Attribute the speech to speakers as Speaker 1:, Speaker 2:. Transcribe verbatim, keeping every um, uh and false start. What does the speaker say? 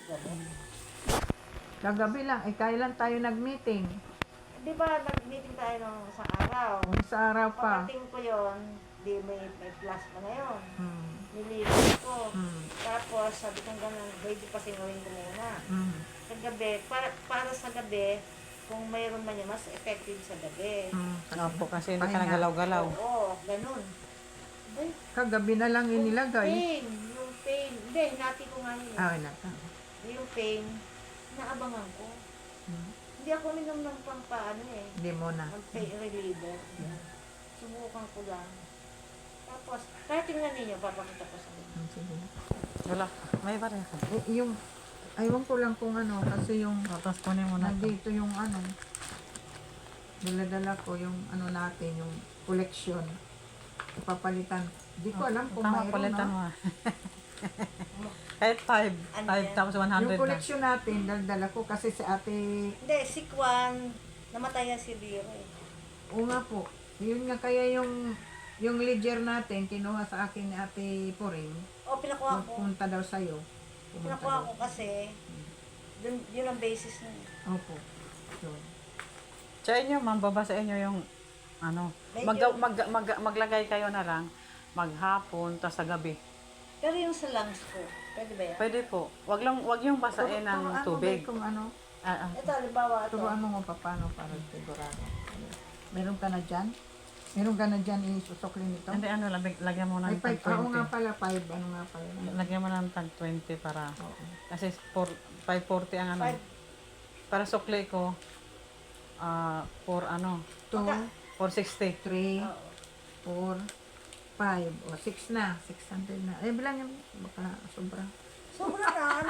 Speaker 1: Ganun.
Speaker 2: Kagabi lang, eh kailan tayo nag-meeting?
Speaker 1: Di ba, nag-meeting tayo nung sa araw.
Speaker 2: Sa araw pa.
Speaker 1: Pagdating ko yon, di may, may plus pa na yun.
Speaker 2: Hmm.
Speaker 1: Nililis ko.
Speaker 2: Hmm.
Speaker 1: Tapos, sabi ko gano'n, ready pa sinawin ko muna.
Speaker 2: Hmm.
Speaker 1: Sa gabi, para, para sa gabi, kung mayroon man yan, mas effective sa gabi.
Speaker 2: Hmm.
Speaker 3: Opo, kasi hindi ka
Speaker 2: Pahinga.
Speaker 3: nagalaw-galaw.
Speaker 1: Oo, ganun. Ay,
Speaker 2: Kagabi na lang
Speaker 1: yung
Speaker 2: inilagay.
Speaker 1: pain, yung pain. Hindi, hinati ko nga yun.
Speaker 2: Ah, naka.
Speaker 1: Yung pain, naabangan ko.
Speaker 2: Hmm.
Speaker 1: Hindi ako minom ng pampaano eh.
Speaker 2: Hindi mo na.
Speaker 1: Ang pain reliever. Subukan ko lang. Tapos, kahit tingnan ninyo, papakita ko sa inyo.
Speaker 2: Hmm, sige.
Speaker 3: Wala. May ba rin ako?
Speaker 2: Eh, yung, aywan ko lang kung ano, kasi yung,
Speaker 3: Tapos kunin mo na.
Speaker 2: nandito yung ano, dala-dala ko yung ano natin, yung collection. Ipapalitan. Hindi ko alam kung
Speaker 3: Tama,
Speaker 2: mayroon
Speaker 3: palitan
Speaker 2: na.
Speaker 3: mo. ah. Kahit five.
Speaker 1: Ano
Speaker 3: five
Speaker 1: yan?
Speaker 3: tapos one hundred
Speaker 2: Yung
Speaker 3: na.
Speaker 2: collection natin, dala-dala ko kasi si ate,
Speaker 1: Hindi, si Kwan, namatay yan si Liro eh.
Speaker 2: o nga po, yun nga kaya yung, yung ledger natin, kinuha sa akin ni ate Puring,
Speaker 1: O, pinakuha ko.
Speaker 2: punta daw sa'yo. Pumunta
Speaker 1: Pinakuha
Speaker 2: daw.
Speaker 1: ko kasi, dun, yun ang basis nun.
Speaker 2: Opo. Yun.
Speaker 3: Sa inyo, ma'am, baba sa inyo yung ano, mag,
Speaker 1: Medyo-
Speaker 3: mag, mag, maglagay kayo na lang maghapon tas sa gabi.
Speaker 1: Pero yung sa lungs ko, pwede ba yan?
Speaker 3: Pwede po. Wag lang wag yung basain ng
Speaker 2: Turuan mo
Speaker 3: tubig.
Speaker 2: ba kung ano,
Speaker 3: Ah, ah.
Speaker 1: Ito, halimbawa ito.
Speaker 2: turuan mo mo pa paano para sigurado. Meron ka na dyan? Meron ka na dyan isusukli nito?
Speaker 3: Hindi ano, lag- lagyan mo
Speaker 2: Ay,
Speaker 3: ng
Speaker 2: five.
Speaker 3: tag
Speaker 2: Oo nga
Speaker 3: twenty.
Speaker 2: pala, five. Ano nga pala?
Speaker 3: Lagyan mo ng tag twenty para
Speaker 2: Oo.
Speaker 3: kasi four, five forty ang ano.
Speaker 1: Five.
Speaker 3: Para sukli ko ah for ano,
Speaker 2: Two,
Speaker 3: four sixty.
Speaker 2: three,
Speaker 1: Oo.
Speaker 2: four, five. O, six na. Six hundred na. Eh, bilangin mo. Baka sobra.
Speaker 1: Sobra na, ano